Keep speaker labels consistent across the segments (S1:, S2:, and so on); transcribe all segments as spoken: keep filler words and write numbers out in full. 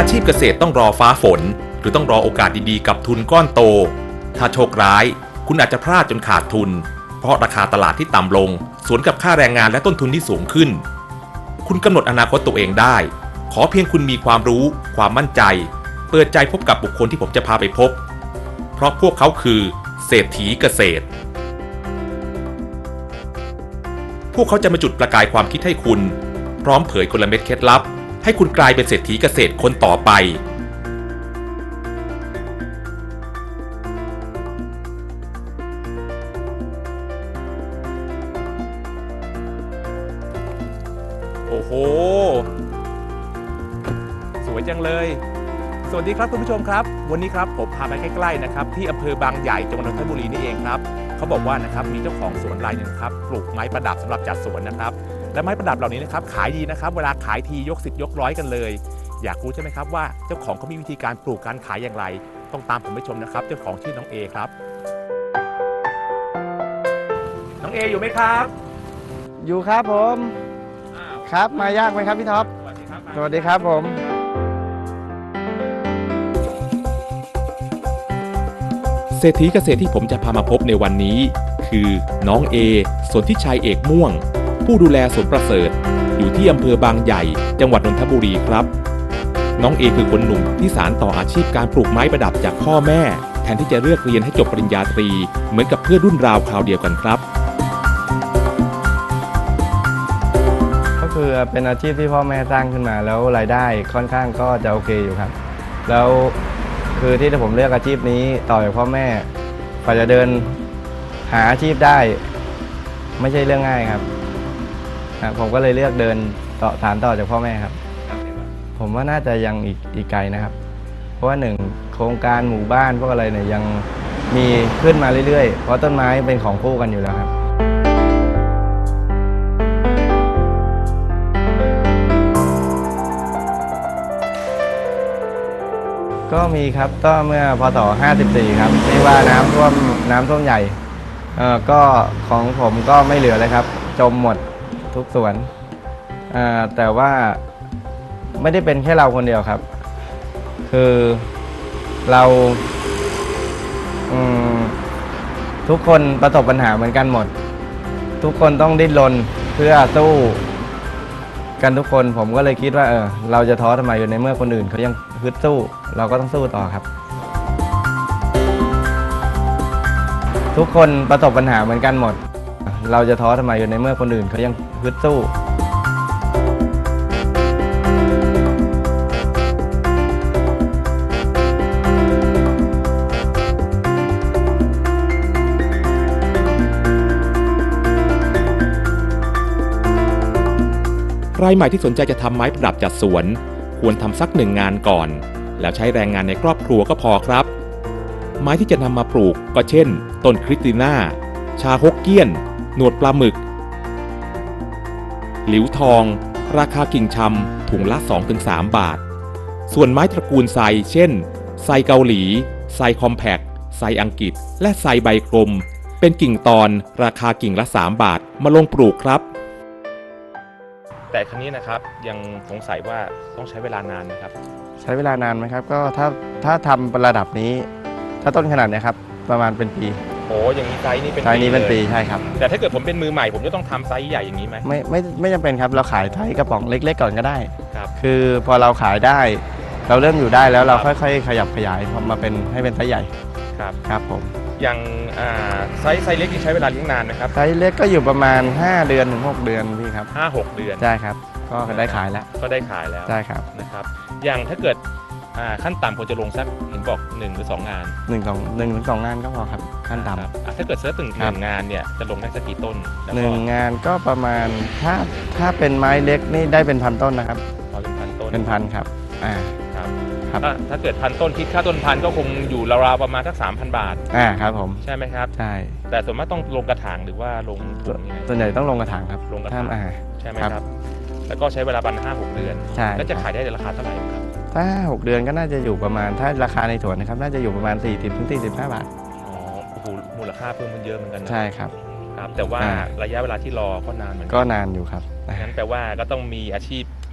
S1: อาชีพเกษตรต้องรอฟ้าฝนหรือต้องรอโอกาสดีๆกับทุนก้อนโตถ้าโชคร้ายคุณอาจจะพลาดจนขาดทุนเพราะราคาตลาดที่ต่ำลงสวนกับค่าแรงงานและต้นทุนที่สูงขึ้นคุณกำหนดอนาคตตัวเองได้ขอเพียงคุณมีความรู้ความมั่นใจเปิดใจพบกับบุคคลที่ผมจะพาไปพบเพราะพวกเขาคือเศรษฐีเกษตรพวกเขาจะมาจุดประกายความคิดให้คุณพร้อมเผยกลเม็ดเคล็ดลับให้คุณกลายเป็นเศรษฐีเกษตรคนต่อไปโอ้โหสวยจังเลยสวัสดีครับคุณผู้ชมครับวันนี้ครับผมพาไปใกล้ๆนะครับที่อำเภอบางใหญ่จังหวัดนนทบุรีนี่เองครับเขาบอกว่านะครับมีเจ้าของสวนรายหนึ่งครับปลูกไม้ประดับสำหรับจัดสวนนะครับและไม้ประดับเหล่านี้นะครับขายดีนะครับเวลาขายทียกสิบยกร้อยกันเลยอยากรู้ใช่ไหมครับว่าเจ้าของเขามีวิธีการปลูกการขายอย่างไรต้องตามผมไปชมนะครับเจ้าของชื่อน้องเอครับน้องเออยู่ไหมครับ
S2: อยู่ครับผมครับมายากไหมครับพี่ท็อปสวัสดีครับสวัสดีครับผม
S1: เศรษฐีเกษตรที่ผมจะพามาพบในวันนี้คือน้องเอสนธิชัยเอกม่วงผู้ดูแลสวนประเสริฐอยู่ที่อำเภอบางใหญ่จังหวัดนนทบุรีครับน้องเอคือคนหนุ่มที่สานต่ออาชีพการปลูกไม้ประดับจากพ่อแม่แทนที่จะเลือกเรียนให้จบปริญญาตรีเหมือนกับเพื่อนรุ่นราวคราวเดียวกันครับ
S2: ก็คือเป็นอาชีพที่พ่อแม่สร้างขึ้นมาแล้วรายได้ค่อนข้างก็จะโอเคอยู่ครับแล้วคือที่ผมเลือกอาชีพนี้ต่อจากพ่อแม่กว่าจะเดินหาอาชีพได้ไม่ใช่เรื่องง่ายครับผมก็เลยเลือกเดินต่อฐานต่อจากพ่อแม่ครับผมว่าน่าจะยังอีกอีกไกลนะครับเพราะว่าหนึ่งโครงการหมู่บ้านพวกอะไรเนี่ยยังมีขึ้นมาเรื่อยๆเพราะต้นไม้เป็นของคู่กันอยู่แล้วครับก็มีครับก็เมื่อพศห้าสิบสี่ครับที่ว่าน้ำท่วมน้ำท่วมใหญ่เอ่อก็ของผมก็ไม่เหลือเลยครับจมหมดทุกสวนเอ่อแต่ว่าไม่ได้เป็นแค่เราคนเดียวครับคือเราทุกคนประสบปัญหาเหมือนกันหมดทุกคนต้องดิ้นรนเพื่อสู้กันทุกคนผมก็เลยคิดว่าเออเราจะท้อทำไมอยู่ในเมื่อคนอื่นเขายังฮึดสู้เราก็ต้องสู้ต่อครับทุกคนประสบปัญหาเหมือนกันหมดเราจะท้อทำไมอยู่ในเมื่อคนอื่นเขายังฮึดสู้
S1: รายใหม่ที่สนใจจะทำไม้ประดับจัดสวนควรทำสักหนึ่งงานก่อนแล้วใช้แรงงานในครอบครัวก็พอครับไม้ที่จะนำมาปลูกก็เช่นต้นคริสติน่าชาฮกเกี้ยนหนวดปลาหมึกหลิวทองราคากิ่งชำถุงละ สองถึงสาม บาทส่วนไม้ตระกูลไซเช่นไซเกาหลีไซคอมแพคไซอังกฤษและไซใบกลมเป็นกิ่งตอนราคากิ่งละสามบาทมาลงปลูกครับแต่ครั้งนี้นะครับยังสงสัยว่าต้องใช้เวลานานนะครับ
S2: ใช้เวลานานไหมครับก็ถ้าถ้าทำระดับนี้ถ้าต้นขนาดนี้ครับประมาณเป็นปี
S1: โอ้อย่างนี้ไซส์นี้เป็น
S2: ไซส์นี้เป็นปีใช่ครับ
S1: แต่ถ้าเกิดผมเป็นมือใหม่ผมจะต้องทำไซส์ใหญ่อย่างนี้ไหม
S2: ไม่ไม่ไม่จำเป็นครับเราขายไซส์กระป๋องเล็กๆก่อนก็ได้
S1: ครับ
S2: คือพอเราขายได้เราเริ่มอยู่ได้แล้วเราค่อยๆขยับขยายมาเป็นให้เป็นไซส์ใหญ่
S1: ครับ
S2: ครับผม
S1: อย่างไซส์ไซส์เล็กที่ใช้เวลาเลี้ยงนานนะครับ
S2: ไซส์เล็กก็อยู่ประมาณห้าเดือนถึงหกเดือนพี่ครับ
S1: ห้าหกเดือน
S2: ใช่ครับก็ได้ขายแล้ว
S1: ก็ได้ขายแล้ว
S2: ใช่ครับ
S1: นะครับอย่างถ้าเกิดขั้นต่ำควรจะลงสักเห็นบอกหนึ่งหรือสองงาน
S2: หนึ่งสองหนึ่งหรือสองงานก็พอครับขั้นต่
S1: ำถ้าเกิดเซิร์ฟถึงหนึ่งงานเนี่ยจะลงได้สักกี่ต้น
S2: หนึ่งงานก็ประมาณถ้าถ้าเป็นไม้เล็กนี่ได้เป็นพันต้นนะครับ
S1: พอเป็นพันต้น
S2: เป็นพันครับอ่า
S1: ครับครับถ้าเกิดพันต้นคิดค่าต้นพันก็คงอยู่ราวๆประมาณสักสามพันบาท
S2: อ่าครับผม
S1: ใช่ไหมครับ
S2: ใช่
S1: แต่ส่วนมากต้องลงกระถางหรือว่าลง
S2: ส่วนใหญ่ต้องลงกระถางครับ
S1: ลงกระถางใช่ไหมครับแล้วก็ใช้เวลาประมาณห้าหกเดือน
S2: ใช่
S1: แล้วจะขายได้ในราคาเท่าไหร่ครับ
S2: ถ้าหกเดือนก็น่าจะอยู่ประมาณถ้าราคาในสวนนะครับน่าจะอยู่ประมาณสี่สิบถึงสี่สิบห้าบาท
S1: อ๋อโอ้โหมูลค่าเพิ่มมันเยอะเหมือนกัน
S2: ใช่ครับ
S1: ครับแต่ว่าระยะเวลาที่รอก็นานเหมือนกัน
S2: ก็นานอยู่ครับ
S1: งั้นแปลว่าก็ต้องมีอาชีพ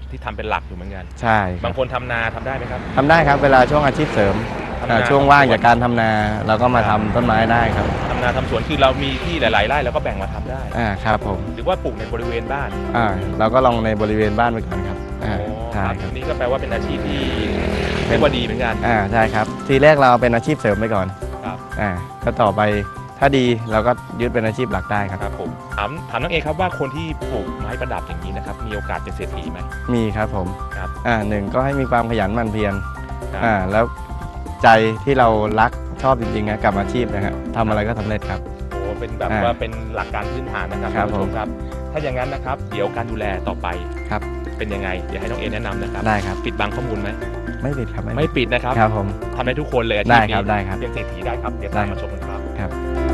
S1: ที่ทำเป็นหลักอยู่เหมือนกัน
S2: ใช่ครับ
S1: บางคนทำนาทำได้ไหมครับ
S2: ทำได้ครับเวลาช่วงอาชีพเสริม
S1: ทำนา
S2: อ่าช่วงว่างจากการทำนาเราก็มาทำต้นไม้ได้ครับ
S1: ทำนาทำสวนคือเรามีที่หลายๆไร่เราก็แบ่งมาทำได้
S2: อ่าครับผม
S1: หรือว่าปลูกในบริเวณบ้าน
S2: อ่าเราก็ลองในบริเวณบ้านไปก่อนครับอ่า
S1: อ๋อ
S2: ใช่
S1: ครับ
S2: ครับ
S1: นี่ก็แปลว่าเป็นอาชีพที่เรียกว่าดีเหมือนกัน
S2: อ่าใช่ครับทีแรกเราเป็นอาชีพเสริมไปก่อน
S1: ครับ
S2: อ่าก็ต่อไปถ้าดีเราก็ยึดเป็นอาชีพหลักได้ครับ
S1: ครับผมถามถามน้องเอครับว่าคนที่ปลูกไม้ประดับอย่างนี้นะครับมีโอกาสเป็นเศรษฐีไหม
S2: มีครับผม
S1: ครับ
S2: อ่าหนึ่งก็ให้มีความขยันหมั่นเพียร
S1: ครับ
S2: อ่าแล้วใจที่เรารักชอบจริงๆนะกับอาชีพนะฮะทำอะไรก็สำเร็จครับ
S1: โอ้เป็นแบบ
S2: อ่า
S1: ว่าเป็นหลักการพื้นฐานนะครับ
S2: ครับ
S1: ท่านผู้ช
S2: ผม ม
S1: ครับ ถ้าอย่างนั้นนะครับเดี๋ยวการดูแลต่อไป
S2: ครับ
S1: เป็นยังไงเดี๋ยวให้น้องเอแนะนำนะครับ
S2: ได้ครับ
S1: ปิดบังข้อมูลไหม
S2: ไม่ผิดครับ
S1: ไม่ปิดนะครับ
S2: ครับผม
S1: ทำได้ทุกคนเลยอาชี
S2: ได้
S1: พ
S2: ครับ
S1: นี้
S2: ได้ครับ
S1: เป็นเศรษฐีได้ครับเดี๋ยว
S2: ได้
S1: ตามมาชมกันครับ
S2: ครับ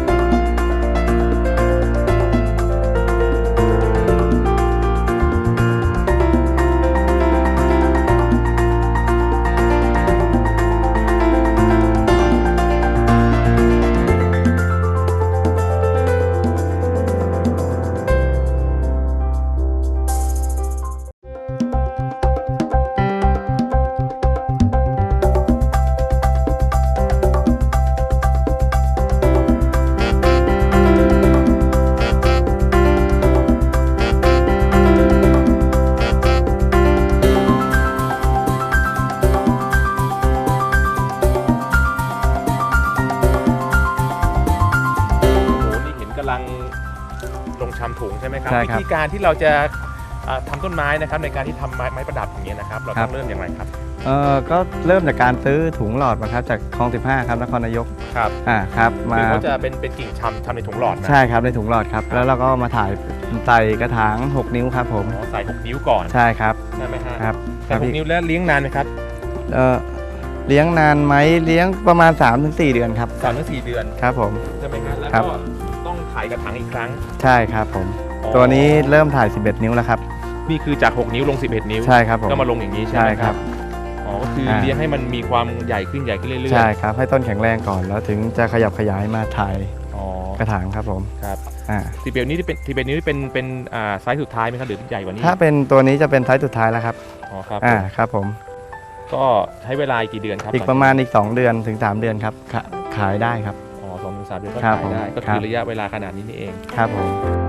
S1: โอ้โหนี่เห็นกำลังลงชำถุงใช่ไหมครับ
S2: ใช่
S1: วิ
S2: ครับ
S1: ธีการที่เราจะอ่าทำต้นไม้นะครับในการที่ทำไม้ไม้ประดับอย่างเงี้ยนะครับเรา
S2: ครั
S1: ต้อบ งเริ่มอย่างไรครับ
S2: เอ่อก็เริ่มจากการซื้อถุงหลอดมาครับจากคลองสิบห้าครับนครนายก
S1: ครับ
S2: อ่าครับมา
S1: คือเขาจะเป็นเป็นกิ่งชำชำในถุงหลอดนะ
S2: ใช่ครับในถุงหลอดครับแล้วเราก็มาถ่ายใส่กระถางหกนิ้วครับผม
S1: อ๋อใส่หกนิ้วก่อน
S2: ใช่ครับ
S1: ใช่ไหมฮะ
S2: ครับค
S1: ใส่
S2: รับ
S1: หก
S2: พี่
S1: นิ้วแล้วเลี้ยงนานไหมครับ
S2: เอ่อเลี้ยงนานไหมเลี้ยงประมาณ สามถึงสี่ เดือนครับ
S1: สามถึงสี่เดือน
S2: ครับผม
S1: ใช่ไหมฮะแล้ว
S2: ครับ
S1: ก็ต้องถ่ายกระถางอีกครั้ง
S2: ใช่ครับผม
S1: อ๋อ
S2: ตัวนี้เริ่มถ่ายสิบเอ็ดนิ้วแล้วครับ
S1: นี่คือจากหกนิ้วลงสิบเอ็ดนิ้ว
S2: ใช่ครับผม
S1: ก็มาลงอย่างนี้ใช่
S2: ใช่
S1: ไหม
S2: ค
S1: ค
S2: รั
S1: รับ บอ๋อก็คืออา เลี้ยงให้มันมีความใหญ่ขึ้นใหญ่ขึ้นเรื่อยๆ
S2: ใช่ครับให้ต้นแข็งแรงก่อนแล้วถึงจะขยับขยายมาถ่าย
S1: อ๋อก
S2: ระถางครับผม
S1: ครับ
S2: อ่า
S1: สิบเอ็ดนิ้วนี่เป็นสิบเอ็ดนิ้วนี่เป็นเป็นอ่าไซส์สุดท้ายไหมครับหรือใหญ่กว่านี้
S2: ถ้าเป็นตัวนี้จะเป็นไซส์สุดท้ายแล้วครับ
S1: อ๋อครับ
S2: อ่าครับผม
S1: ก็ใช้เวลาอีกกี่เดือนครับ
S2: อีกประมาณอีกสองเดือนถึงสามเดือนครับขาขายได้ครับ
S1: อ๋อสองถึงสามเดือนก็
S2: ครั
S1: ขา
S2: บ
S1: ยได้
S2: ผม
S1: ก็
S2: ครั
S1: คือบ ระยะเวลาขนาดนี้นี่เอง
S2: ครับผม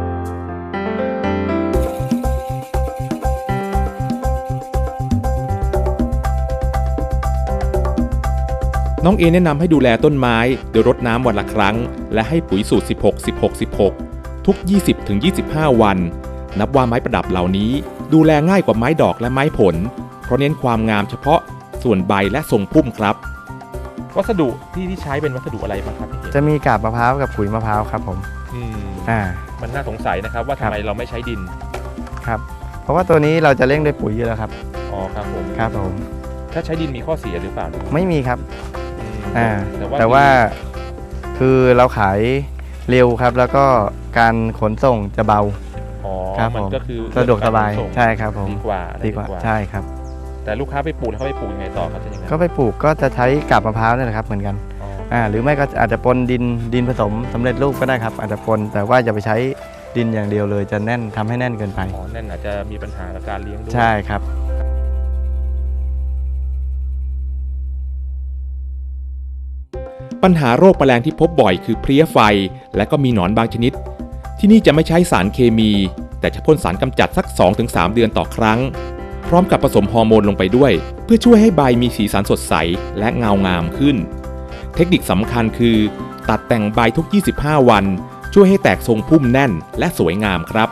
S1: น้องเอแนะนำให้ดูแลต้นไม้โดยรดน้ำวันละครั้ง และให้ปุ๋ยสูตร สิบหก สิบหก สิบหก ทุก ยี่สิบถึงยี่สิบห้า วัน นับว่าไม้ประดับเหล่านี้ ดูแลง่ายกว่าไม้ดอกและไม้ผล เพราะเน้นความงามเฉพาะส่วนใบและทรงพุ่มครับ วัสดุที่ที่ใช้เป็นวัสดุอะไรบ้างครับพี่เอ
S2: จะมีกาบมะพร้าวกับขุยมะพร้าวครับผม
S1: อืม
S2: อ่า
S1: มันน่าสงสัยนะครับว่า
S2: ครั
S1: ทำ
S2: บ
S1: ไมเราไม่ใช้ดิน
S2: ครับเพราะว่าตัวนี้เราจะเร่งด้วยปุ๋ยอยู่แล้วครับ
S1: อ๋อครับผม
S2: ครับผม
S1: ถ้าใช้ดินมีข้อเสียหรือเปล่า
S2: ไม่มีครับ
S1: อืม
S2: อ่า
S1: แต่ว่า
S2: แต่ว่าคือเราขายเร็วครับ แล้วก็การขนส่งจะเบา
S1: อ๋อ
S2: ครับ
S1: มัน
S2: ผม
S1: ก็คือ
S2: สะดวกสบาย
S1: เรื่องกรขนส่ง
S2: ใช่ครับผม
S1: ดีกว่า
S2: ดีกว่าใช่ครับ
S1: แต่ลูกค้าไปปลูกแล้วเขาไปปลูกยังไงต่อครับจะยังไง
S2: ก็ไปปลูกก็จะใช้กาบมะพร้าวนี่แหละครับเหมือนกัน
S1: อ๋อ
S2: อ่าหรือไม่ก็อาจจะปนดินดินผสมสำเร็จรูปก็ได้ครับ อาจจะปนแต่ว่าอย่าไปใช้ดินอย่างเดียวเลยจะแน่นทำให้แน่นเกินไป
S1: อ๋อนั่นอาจจะมีปัญหากับการเลี้ยงด้วย
S2: ใช่ครับ
S1: ปัญหาโรคแมลงที่พบบ่อยคือเพลี้ยไฟ และก็มีหนอนบางชนิด ที่นี่จะไม่ใช้สารเคมี แต่จะพ่นสารกำจัดสัก สองถึงสาม เดือนต่อครั้ง พร้อมกับผสมฮอร์โมนลงไปด้วย เพื่อช่วยให้ใบมีสีสันสดใสและเงางามขึ้น เทคนิคสำคัญคือ ตัดแต่งใบทุก ยี่สิบห้า วัน ช่วยให้แตกทรงพุ่มแน่นและสวยงามครับ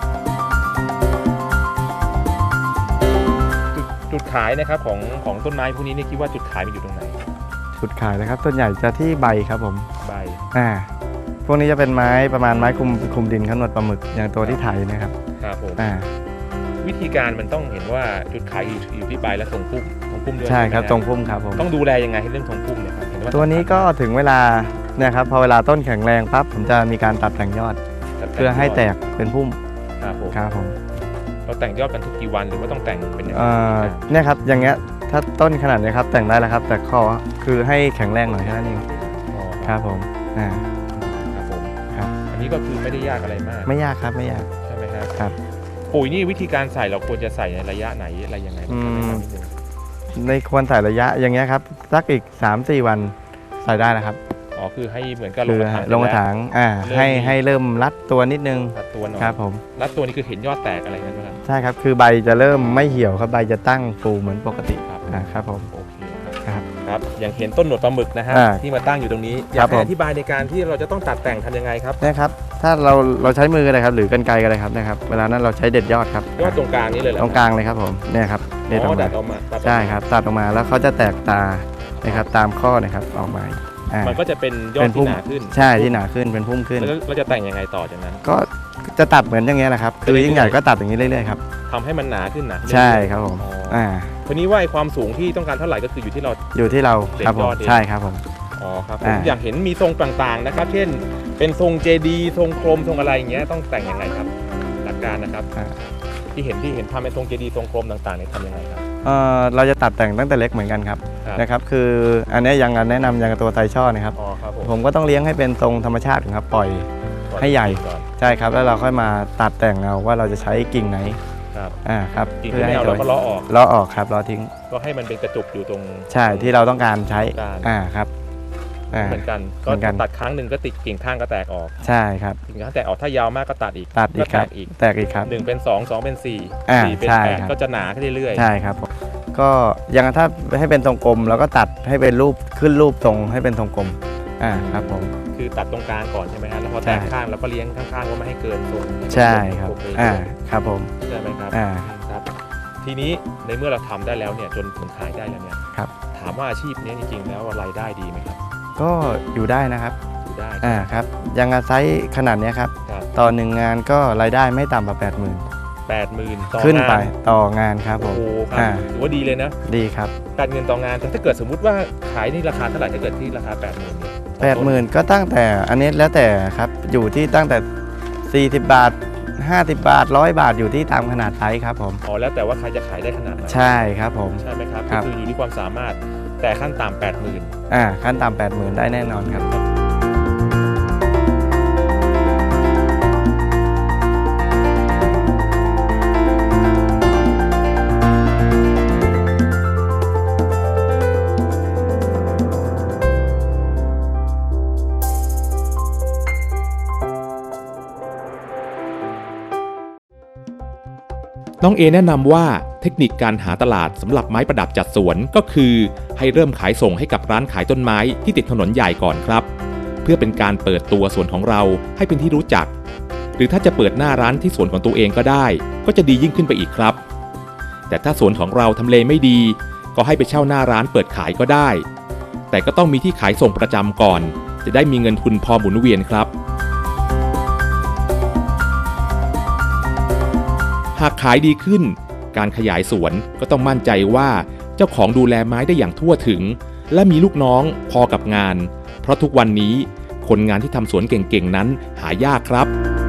S1: จุดจุดขายนะครับของของต้นไม้พวกนี้นี่คิดว่าจุดขายมันอยู่ตรงไหน
S2: จุดขายนะครับส่วนใหญ่จะที่ใบครับผม
S1: ใบ
S2: อ่าพวกนี้จะเป็นไม้ประมาณไม้คลุมคลุมดินขนวดปลาหมึกอย่างตัวที่ไถนะครับ
S1: ครับผม
S2: อ่า
S1: วิธีการมันต้องเห็นว่าจุดขายอยู่อยู่ที่ใบและทรงพุ่มทรงพุ่มด้วย
S2: ใช่ครับ
S1: ไหม
S2: ทรงพุ่มครับผม
S1: ต้องดูแลยังไงให้เรื่องทรงพุ่มเนี่ยครับเห็นว่า
S2: ตัวนี้ก็ถึงเวลาเนี่ยครับพอเวลาต้นแข็งแรงปั๊บผมจะมีการตัดแต่งยอด เพื่อให้แตกเป็นพุ่ม
S1: ครับผม
S2: ครับผม
S1: เราแต่งยอดกันทุกกี่วันหรือว่าต้องแต่งเป็นยังไง
S2: เอ่อเนี่ยครับอย่างเงี้ยถ้าต้นขนาดเนี้ยครับแต่งได้แล้วครับ แต่ข้อคือให้แข็งแรงหน่อยแค่นั้นเอง
S1: อ๋อ
S2: ครับผมอ่า
S1: ครับผม
S2: ครับ
S1: อันนี้ก็คือไม่ได้ยากอะไรมาก
S2: ไม่ยากครับไม่ยาก
S1: ใช่ไหมครับ
S2: ครับ
S1: โปุ๋ยนี่วิธีการใส่เราควรจะใส่ในระยะไหนอะไรยังไงบ้างครับ
S2: อืม
S1: แนะนำนิดนึง
S2: ในควรใส่ระยะอย่างเงี้ยครับสักอีก สามสี่ วันใส่ได้แล้วครับ
S1: อ๋อคือให้เหมือนกับล
S2: คื
S1: ง
S2: อก
S1: ระถาง
S2: ลงกระถางอ่า
S1: เริ่ม
S2: ให้
S1: มี
S2: ให้เริ่มรัดตัวนิดนึง
S1: รัดตัวหน่อย
S2: ครับผม
S1: รัดตัวนี่คือเห็นยอดแตกอะไรกันไหมครับ
S2: ใช่ครับคือใบจะเริ่มไม่เหี่ยวครับใบจะตั้งฟูเหมือนปกติ
S1: ครับ
S2: อ่าครับผม
S1: โอเคครับ
S2: ครับ
S1: ครับอย่างเห็นต้นหนวดปลาหมึกนะฮะ
S2: อ่า
S1: ที่มาตั้งอยู่ตรงนี้อ
S2: ครั
S1: ยาก
S2: บ
S1: ให้
S2: ผม
S1: อธิบายในการที่เราจะต้องตัดแต่งทำยังไงครับ
S2: นะครับถ้าเราเราใช้มือก็ได้ครับหรือกรรไกรก็ได้ครับนะครับเวลานั้นเราใช้เด็ดยอดครับ
S1: ยอดตรงกลางนี้เลยเหรอ
S2: ตรงกลางเลยครับผมเนี่ยครับเด็ดอ
S1: อ๋
S2: อ
S1: อก ดั
S2: มา
S1: ดออกมาตัดออกมา
S2: ใช่ครับตัดออกมาแล้วเขาจะแตกตานะครับตามข้อนะครับออกมาอ่า
S1: มันก็จะเป็นยอ
S2: เป็
S1: ด
S2: นพุ่
S1: ที่
S2: ม
S1: หนาขึ้น
S2: ใช่ที่หนาขึ้นเป็นพุ่มขึ้น
S1: แล้วเราจะแต่งยังไงต่อจากนั้น
S2: ก็จะตัดเหมือนอย่างเงี้ยแหละครับคือยิ่งใหญ่ก็ตัดอย่างนี้เรื่อยๆครับ
S1: ทำให้มันหนาขึ้นหนาขึ้น
S2: ใช่ครับผม
S1: อ๋ออ่
S2: อ่า
S1: ทีนี้ว่าไอ้ความสูงที่ต้องการเท่าไหร่ก็คืออยู่ที่เรา
S2: อยู่ที่เราครับผ
S1: เด็ดย
S2: ม
S1: อดเอง
S2: ใช่ครับผม
S1: อ๋อครับผม
S2: อ่า
S1: อยากเห็นมีทรงต่างๆนะครับ เช่น เป็นทรงเจดีทรงโครมทรงอะไรอย่างเงี้ยต้องแต่งยังไงครับหลักการนะครับ
S2: อ่า
S1: ที่เห็นที่เห็นทำเป็นทรงเจดีทรงโครมต่างๆเนี่ยทำยังไงครับ
S2: เอ่อเราจะตัดแต่งตั้งแต่เล็กเหมือนกันครับ
S1: ครับ
S2: นะครับคืออันเนี้ยยังแนะนำยังกับตัวไทช่อนะครับ
S1: อ๋อครับผม
S2: ผมก็ต้องเลี้ยงให้เป็นทรงธรรมชาติครับปล่อย
S1: ก่อน
S2: ให้ใหญ่
S1: ก่อน
S2: ใช่ครับแล้วเราค่อยมาตัดแต่งเอาว่าเราจะใช้กิ่งไหน
S1: ครับ
S2: อ่าครับ
S1: กิ่งที่ไม่เอาเราก็ล้อออก
S2: ล้อออกครับล้อทิ้ง
S1: ก็ให้มันเป็นกระจุกอยู่ตรง
S2: ใช่ที่เราต้องการใช้
S1: การ
S2: อ่าครับอ่า
S1: เหมือนกัน
S2: เห
S1: ก็
S2: มือนกัน
S1: ตัดครั้งหนึ่งก็ติดกิ่งข้างก็แตกออก
S2: ใช่ครับ
S1: กิ่งข้างแตกออกถ้ายาวมากก็ตัดอีก
S2: ตัดอีกค
S1: แต
S2: รับ
S1: กอีก
S2: แตกอีกครับ
S1: หนึ่งเป็นสองสองเป็นสี่
S2: อ่า
S1: สี่เป็น
S2: ใช่
S1: แปด
S2: ครับ
S1: ก็จะหนาขึ้นเรื่อยๆ
S2: ใช่ครับผมก็ยังถ้าให้เป็นทรงกลมเราก็ตัดให้เป็นรูปขึ้นรูปทรงให้เป็นทรงกลมอ่าครับผม
S1: คือตัดตรงกลางก่อนใช่ไหมครับแล้วพอ
S2: ใช่
S1: แตกข้างเราก็เลี้ยงข้างๆว่าไม่ให้เกินทรง
S2: ใช่ครับ
S1: โอเค
S2: อ่าครับผม
S1: ใช่ไหมครับ
S2: อ่า
S1: ครับ ทีนี้ในเมื่อเราทำได้แล้วเนี่ยจนถึงขายได้แล้วเนี่ย
S2: ครับ
S1: ถามว่าอาชีพนี้จริงๆแล้วรายได้ดีไหมครับ
S2: ก็อยู่ได้นะครับ
S1: อยู่ได้
S2: อ่าครับยังอาศัยขนาดเนี้ยครับ
S1: ครับ
S2: ต่อหนึ่งงานก็รายได้ไม่ต่ำกว่าแปดหมื่น
S1: แปดหมื่นต่อ
S2: ขึ้นไป
S1: งาน
S2: ต่องานครับผ
S1: โอ้
S2: ม
S1: โหครับ
S2: อ่า
S1: ถือว่าดีเลยนะ
S2: ดีครับ
S1: แปดหมื่นต่องานแต่ถ้าเกิดสมมุติว่าขายนี่ราคาเท่าไหร่ถ้าเกิดที่ราคาแปดหมื่นเนี่ย
S2: แปดหมื่นก็ตั้งแต่อันนี้แล้วแต่ครับอยู่ที่ตั้งแต่สี่สิบบาทห้าสิบบาทร้อยบาทอยู่ที่ตามขนาดไซส์ครับผม
S1: อ๋อแล้วแต่ว่าใครจะขายได้ขนาดไหน
S2: ใช่ครับผม
S1: ใช่ไหมครับ
S2: ครั
S1: ก็
S2: บ
S1: คืออยู่ที่ความสามารถแต่ขั้นต่ำแปดหมื่น
S2: อ่าขั้นต่ำแปดหมื่นได้แน่นอนครับ
S1: น้องเอแนะนำว่าเทคนิคการหาตลาดสำหรับไม้ประดับจัดสวนก็คือให้เริ่มขายส่งให้กับร้านขายต้นไม้ที่ติดถนนใหญ่ก่อนครับ เพื่อเป็นการเปิดตัวสวนของเราให้เป็นที่รู้จัก หรือถ้าจะเปิดหน้าร้านที่สวนของตัวเองก็ได้ ก็จะดียิ่งขึ้นไปอีกครับ แต่ถ้าสวนของเราทำเลไม่ดี ก็ให้ไปเช่าหน้าร้านเปิดขายก็ได้ แต่ก็ต้องมีที่ขายส่งประจำก่อน จะได้มีเงินทุนพอหมุนเวียนครับ หากขายดีขึ้น การขยายสวนก็ต้องมั่นใจว่าเจ้าของดูแลไม้ได้อย่างทั่วถึง และมีลูกน้องพอกับงาน เพราะทุกวันนี้คนงานที่ทำสวนเก่งๆนั้นหายากครับ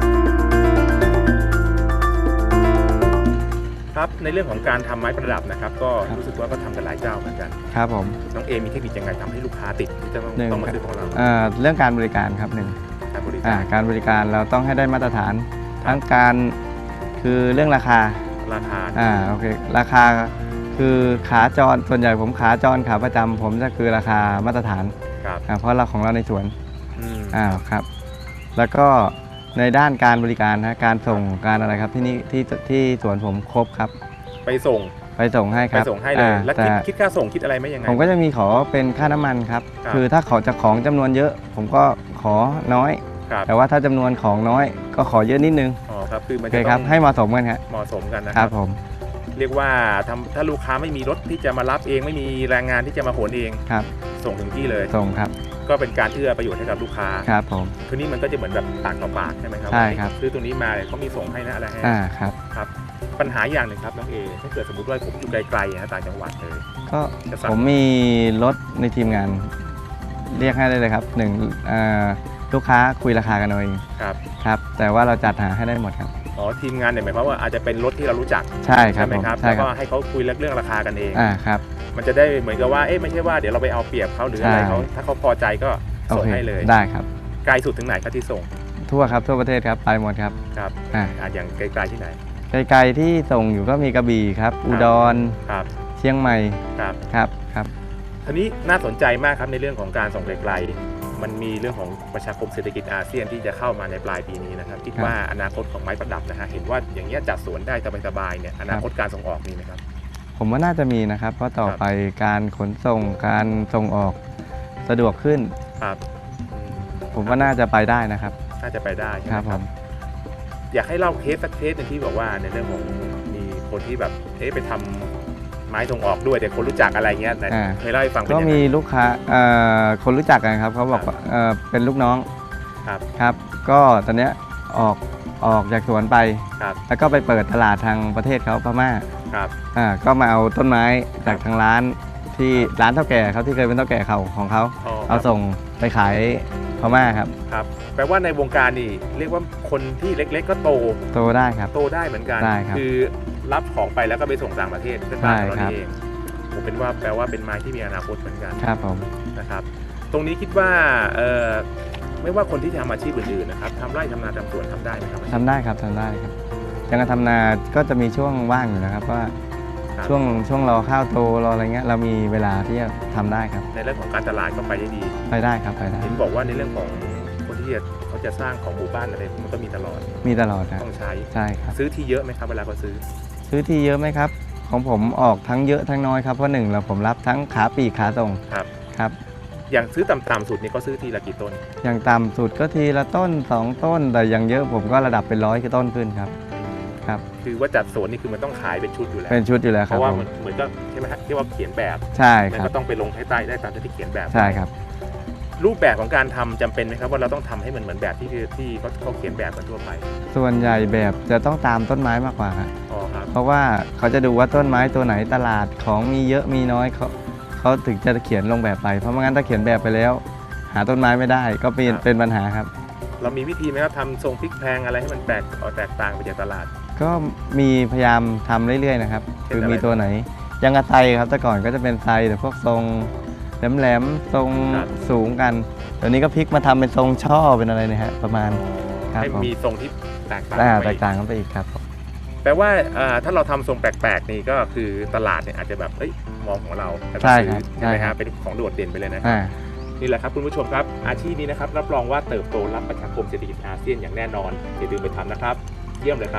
S1: ครับในเรื่องของการทำไม้ประดับนะครับ ก็รู้สึกว่าก็ทำกันหลายเจ้าเหมือนกัน
S2: ครับผม
S1: น้องเอมีเทคนิคยังไงทำให้ลูกค้าติดที่จะต้อง
S2: หนึ่ง
S1: ต้องมาซื้อของเรา
S2: อ่าเรื่องการบริการครับหนึ่ง
S1: การบริ
S2: อ่า
S1: การ
S2: การบริการเราต้องให้ได้มาตรฐาน ทั้งการคือเรื่องราคา
S1: ราคา
S2: อ่าโอเคราคาคือขาจรส่วนใหญ่ผมขาจรขาประจำผมจะคือราคามาตรฐาน
S1: ครับ
S2: อ่าเพราะเราของเราในสวน
S1: อืม
S2: อ่าครับแล้วก็ในด้านการบริการนะการส่งการอะไรครับที่นี่ที่ที่สวนผมครบครับ
S1: ไปส่ง
S2: ไปส่งให้ค
S1: ไป
S2: รับ
S1: ส่งให้เลย
S2: อ่า
S1: แล้ว
S2: แต่
S1: คิดคิดค่าส่งคิดอะไรไหมยังไง
S2: ผมก็จะมีขอเป็นค่าน้ำมันครับ
S1: ครับ
S2: คือถ้าเขาจะของจำนวนเยอะ ผมก็ขอน้อย
S1: ครับ
S2: แต่ว่าถ้าจำนวนของน้อยก็ขอเยอะนิดนึง
S1: อ๋อครับคือมัน
S2: โอเค
S1: จะ
S2: ค
S1: ต้
S2: รั
S1: อบ ง
S2: ให้เหมาะสมกันครับ
S1: เหมาะสมกันนะ
S2: ค
S1: ค
S2: รั
S1: รั
S2: บบ ผม
S1: เรียกว่าทำถ้าลูกค้าไม่มีรถที่จะมารับเองไม่มีแรงงานที่จะมาขนเอง
S2: ครับ
S1: ส่งถึงที่เลย
S2: ส่งครับ
S1: ก็เป็นการเอื้อประโยชน์ให้กับลูกค้า
S2: ครับผม
S1: ทีนี้มันก็จะเหมือนแบบปากต่อปากใช่ไหมครับ
S2: ใช่ครับ
S1: ซื้อตัวนี้มาเนี่ยเขามีส่งให้นะอะไรให้
S2: อ่าครับ
S1: ครับปัญหาอย่างหนึ่งครับน้องเอถ้าเกิดสมมติว่าผมอยู่ไกลๆนะต่างจังหวัดเลย
S2: ก็
S1: จะสั่ง
S2: ผมมีรถในทีมงาน เรียกให้ได้เลยครับหนึ่งอ่าลูกค้าคุยราคากันเอาเอง
S1: ครับ
S2: ครับแต่ว่าเราจัดหาให้ได้หมดครับ
S1: อ๋อทีมงานเนี่ยหมายความว่าอาจจะเป็นรถที่เรารู้จัก
S2: ใช่ครับ
S1: ไหม
S2: ผม
S1: ครับ
S2: ใช่
S1: แล้ว
S2: ค
S1: ก็
S2: รับ
S1: ให้เขาคุยเรื่องราคากันเอง
S2: อ่าครับ
S1: มันจะได้เหมือนกับว่าเอ๊ะไม่ใช่ว่าเดี๋ยวเราไปเอาเปรียบเขาหรืออะไร
S2: ใช่
S1: เขาถ้าเขาพอใจก็
S2: โอ
S1: ส่ง
S2: เค
S1: ให้เลย
S2: ได้ครับ
S1: ไกลสุดถึงไหนครับที่ส่ง
S2: ทั่วครับทั่วประเทศครับไปหมดครับ
S1: ครับ
S2: อ่า
S1: อ่ะอย่างไกลๆที่ไหน
S2: ไกลๆที่ส่งอยู่ก็มีกระบี่ครับ อุดร
S1: ครับ
S2: เชียงใหม่
S1: ครับ
S2: ครับครับ
S1: ทีนี้น่าสนใจมากครับในเรื่องของการส่งไกลๆมันมีเรื่องของประชาคมเศรษฐกิจอาเซียนที่จะเข้ามาในปลายปีนี้นะครับคิดว่าอนาคตของไม้ประดับนะฮะเห็นว่าอย่างเงี้ยจัดสวนได้สบายๆเนี่ยอนาคตการส่งออกมีไหมครับ
S2: ผมว่าน่าจะมีนะครับ เพราะต่อไปการขนส่งการส่งออกสะดวกขึ้น
S1: ครับอืม
S2: ผมว่าน่าจะไปได้นะครับ
S1: น่าจะไปได้ใช่ไห
S2: ค
S1: ม
S2: รับ
S1: ค
S2: ผ
S1: รับ
S2: ม
S1: อยากให้เล่าเคสสักเคสหนึงที่บอกว่าในเรื่องของมีคนที่แบบเอ๊ะไปทำไม้ส่งออกด้วยแต่คนรู้จักอะไรเงี้ยแต่
S2: อ่า
S1: เคยเล่าให้ฟังเป็น
S2: ก็
S1: ยังไง
S2: มีลูกค้าเอ่อคนรู้จักกันครับเขาบอก
S1: ครับ
S2: ว่าเอ่อเป็นลูกน้อง
S1: ครับ
S2: ครับ ก็ตอนเนี้ยออกออกจากสวนไป
S1: ครับ
S2: แล้วก็ไปเปิดตลาดทางประเทศเขาพม่า
S1: ครับ
S2: อ่าก็มาเอาต้นไม้จากทางร้านที่ร้านเท่าแก่เขาที่เคยเป็นเท่าแก่เขาของเขา
S1: อ๋อค
S2: เอา
S1: รับ
S2: ส่งไปขายพม่าครับ
S1: ครับแปลว่าในวงการนี่เรียกว่าคนที่เล็ก ๆ ก็โต
S2: โตได้ครับ
S1: โตได้เหมือนกัน
S2: ได้ครับ
S1: คือรับของไปแล้วก็ไปส่งต่างประเทศเป็น
S2: ใช่
S1: บ้านของเรา
S2: ครับ
S1: นี่เองผมเป็นว่าแปลว่าเป็นไม้ที่มีอนาคตเหมือนกัน
S2: ครับผม
S1: นะครับ ตรงนี้คิดว่าเอ่อไม่ว่าคนที่ทำอาชีพอื่นๆนะครับทำไร่ทำนาทำสวนทำได้ไหมครับ
S2: ทำได้ครับทำได้ครับยังการทำนาก็จะมีช่วงว่างอยู่นะครับว่า
S1: ครับ
S2: ช่วงช่วงรอข้าวโตรออะไรเงี้ยเรามีเวลาที่จะทำได้ครับ
S1: ในเรื่องของการตลาดก็ไปได้ดี
S2: ไปได้ครับไปได้
S1: เห็นบอกว่าในเรื่องของคนที่จะเขาจะสร้างของหมู่บ้านอะไรมันก็มีตลอด
S2: มีตลอดครับ
S1: ต้องใช้
S2: ใช่ครับ
S1: ซื้อที่เยอะไหมครับเวลาเขาซื้อ
S2: ซื้อที่เยอะไหมครับ ของผมออกทั้งเยอะทั้งน้อยครับเพราะหนึ่งเราผมรับทั้งขาปลีกขาส่ง
S1: ครับ
S2: ครับ
S1: อย่างซื้อต่ำๆสุดนี่ก็ซื้อทีละกี่ต้น
S2: อย่างต่ำสุดก็ทีละต้นสองต้น แต่อย่างเยอะผมก็ระดับเป็นร้อยต้นขึ้นครับครับ
S1: คือว่าจัดสวนนี่คือมันต้องขายเป็นชุดอยู่แล้ว
S2: เป็นชุดอยู่แล้ว
S1: เพ
S2: ครับ
S1: ราะว่า
S2: ผม
S1: มันเหมือนก็ใช่ไหมฮะที่ว่าเขียนแบบ
S2: ใช่
S1: มัน
S2: ครั
S1: ก็
S2: บ
S1: ต้องไปลงให้ใต้ได้ตามที่เขียนแบบ
S2: ใช่ครับ
S1: รูปแบบของการทำจำเป็นไหมครับว่าเราต้องทำให้มันเหมือนแบบที่ที่เขาเขาเขียนแบบกันทั่วไป
S2: ส่วนใหญ่แบบจะต้องตามต้นไม้มากกว่าครับ
S1: อ๋อครับ
S2: เพราะว่าเขาจะดูว่าต้นไม้ตัวไหนตลาดของมีเยอะมีน้อยเขาเขาถึงจะเขียนลงแบบไปเพราะไม่งั้นถ้าเขียนแบบไปแล้ว หาต้นไม้ไม่ได้ก็เป็นเป็นปัญหาครับ
S1: เรามีวิธีไหมครับทำทรงพลิกแพลงอะไรให้มันแตกออกแตกต่างไปจากตลาด
S2: ก็มีพยายามทำเรื่อยๆนะครับ
S1: เป็น
S2: คือ
S1: อะไร
S2: มีตัวไหนอยังกระไซครับแต่ก่อนก็จะเป็นไซแต่พวกทรงแหลมๆทรง
S1: ครับ
S2: สูงกันเดี๋ยวนี้ก็พลิกมาทำเป็นทรงช่อเป็นอะไรนะฮะประมาณ ครับ
S1: ให้
S2: ผม
S1: มีทรงที่แตกต่าง
S2: อ่า
S1: ไป
S2: แตกต่างกันไปอีกครับผม
S1: แปลว่าอ่าถ้าเราทำทรงแปลกๆนี่ก็คือตลาดเนี่ยอาจจะแบบเอ้ยมองของเราแต่ก็
S2: ใช่
S1: ซื้
S2: ครั
S1: อบ ใช่ไหม
S2: ใช่ครั
S1: ฮะ
S2: บ
S1: เป็นของโดดเด่นไปเลยนะ
S2: อ่า
S1: นี่แหละครับคุณผู้ชมครับอาชีพนี้นะครับรับรองว่าเติบโตรับประชาคมเศรษฐกิจอาเซียนอย่างแน่นอนอย่าลืมไปทำนะครับ เยี่ยมเลยครับ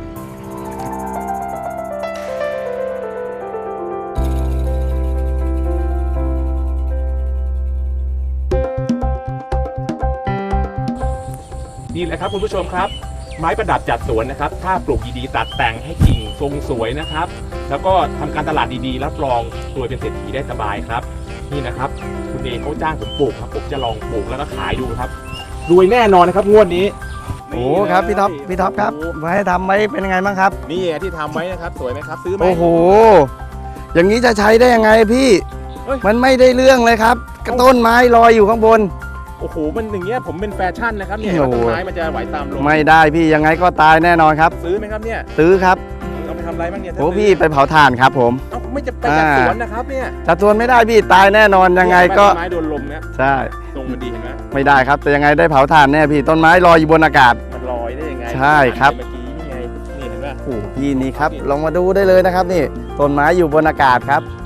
S1: นี่แหละครับคุณผู้ชมครับ ไม้ประดับจัดสวนนะครับถ้าปลูกดีๆตัดแต่งให้กิ่งทรงสวยนะครับ แล้วก็ทำการตลาดดีๆรับรองรวยเป็นเศรษฐีได้สบายครับ นี่นะครับ คุณเอเขาจ้างผมปลูกครับผมจะลองปลูกแล้วก็ขายดูครับรวยแน่นอนนะครับงวดนี้
S2: โอ้ครับพี่ท็อปพี่ท็อปครับ
S1: โโห
S2: ไว้ให้ทำไว้เป็นยังไงบ้างครับ
S1: นี่ที่ทำไว้นะครับสวยไหมครับซื้อไหม
S2: โอ้โหอย่างนี้จะใช้ได้ยังไงพี่
S1: เฮ้ย
S2: มันไม่ได้เรื่องเลยครับกระต้นไม้ลอยอยู่ข้างบน
S1: โอ้โหมันอย่างเงี้ยผมเป็นแฟชั่นนะครับเนี่ย
S2: โอ้โห
S1: ต้นไม้มันจะไหวตามลม
S2: ไม่ได้พี่ยังไงก็ตายแน่นอนครับ
S1: ซื้อไหมครับเนี่ย
S2: ซื้อครับ
S1: เอาไปทำอะไรบ้างเนี่ย
S2: โอ้พี่ไปเผาถ่านครับผม
S1: เอ้าไม่จะไปจัด
S2: อ่า
S1: สวนนะครับเนี่ย
S2: จัดสวนไม่ได้พี่ตายแน่นอนยังไงก็
S1: ต้นไม้โดนลมเนี่ย
S2: ใช่
S1: ทรงมันดีเห็นไหม
S2: ไม่ได้ครับ แต่ยังไงได้เผาถ่านแน่พี่ต้นไม้ลอยอยู่บนอากาศ
S1: มันลอยได้ยังไง
S2: ใช่ครับ
S1: เมื่อกี้นี่ไงนี่เห็นไหม
S2: โอ้โหพี่นี่ครับลองมาดูได้เลยนะครับนี่ต้นไม้อยู่บนอากาศครับ